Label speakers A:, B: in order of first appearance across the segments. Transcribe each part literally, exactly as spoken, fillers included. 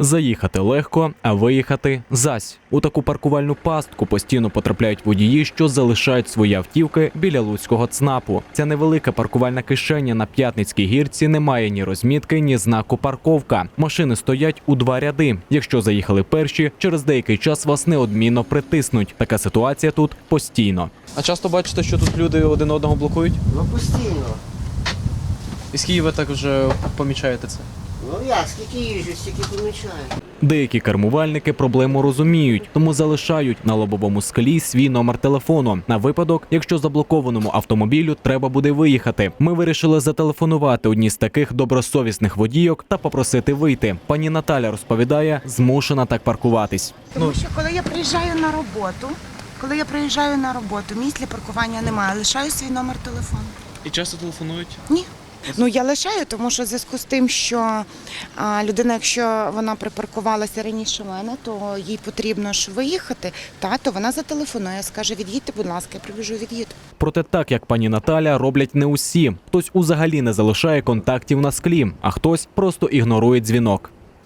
A: Заїхати легко, а виїхати – зась. У таку паркувальну пастку постійно потрапляють водії, що залишають свої автівки біля луцького ЦНАПу. Ця невелика паркувальна кишеня на П'ятницькій гірці не має ні розмітки, ні знаку «Парковка». Машини стоять у два ряди. Якщо заїхали перші, через деякий час вас неодмінно притиснуть. Така ситуація тут постійно.
B: А часто бачите, що тут люди один одного блокують?
C: Ну, постійно.
B: І скільки ви так вже помічаєте це?
C: Ну я, скільки їжджу, стільки помічаю.
A: Деякі кермувальники проблему розуміють, тому залишають на лобовому склі свій номер телефону. На випадок, якщо заблокованому автомобілю треба буде виїхати. Ми вирішили зателефонувати одній з таких добросовісних водійок та попросити вийти. Пані Наталя розповідає, змушена так паркуватись.
D: Тому що коли я приїжджаю на роботу, коли я приїжджаю на роботу, місць для паркування немає, лишаю свій номер телефону.
B: І часто телефонують?
D: Ні. Ну, я лишаю, тому що в зв'язку з тим, що а, людина, якщо вона припаркувалася раніше мене, то їй потрібно ж виїхати, та, то вона зателефонує, скаже, від'їдьте, будь ласка, я прибіжу, від'їду.
A: Проте так, як пані Наталя, роблять не усі. Хтось узагалі не залишає контактів на склі, а хтось просто ігнорує дзвінок.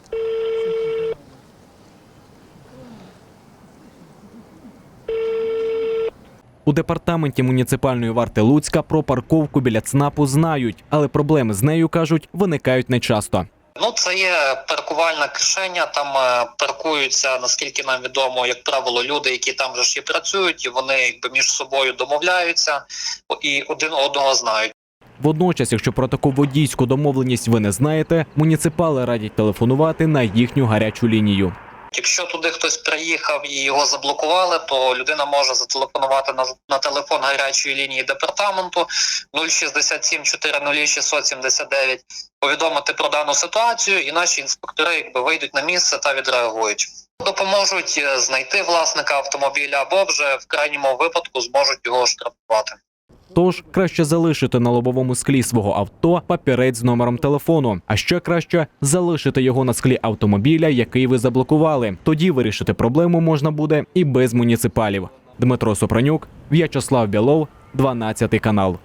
A: У департаменті муніципальної варти Луцька про парковку біля ЦНАПу знають, але проблеми з нею, кажуть, виникають нечасто.
E: Ну, це є паркувальна кишеня, там е, паркуються, наскільки нам відомо, як правило, люди, які там вже ж і працюють, і вони якби між собою домовляються і один одного знають.
A: Водночас, якщо про таку водійську домовленість ви не знаєте, муніципали радять телефонувати на їхню гарячу лінію.
E: Якщо туди хтось приїхав і його заблокували, то людина може зателефонувати на, на телефон гарячої лінії департаменту нуль шістдесят сім чотириста шістсот сімдесят дев'ять, повідомити про дану ситуацію, і наші інспектори якби вийдуть на місце та відреагують. Допоможуть знайти власника автомобіля або вже в крайньому випадку зможуть його штрафувати.
A: Тож, краще залишити на лобовому склі свого авто папірець з номером телефону. А ще краще залишити його на склі автомобіля, який ви заблокували. Тоді вирішити проблему можна буде і без муніципалів. Дмитро Сопронюк, В'ячеслав Білов, дванадцятий канал.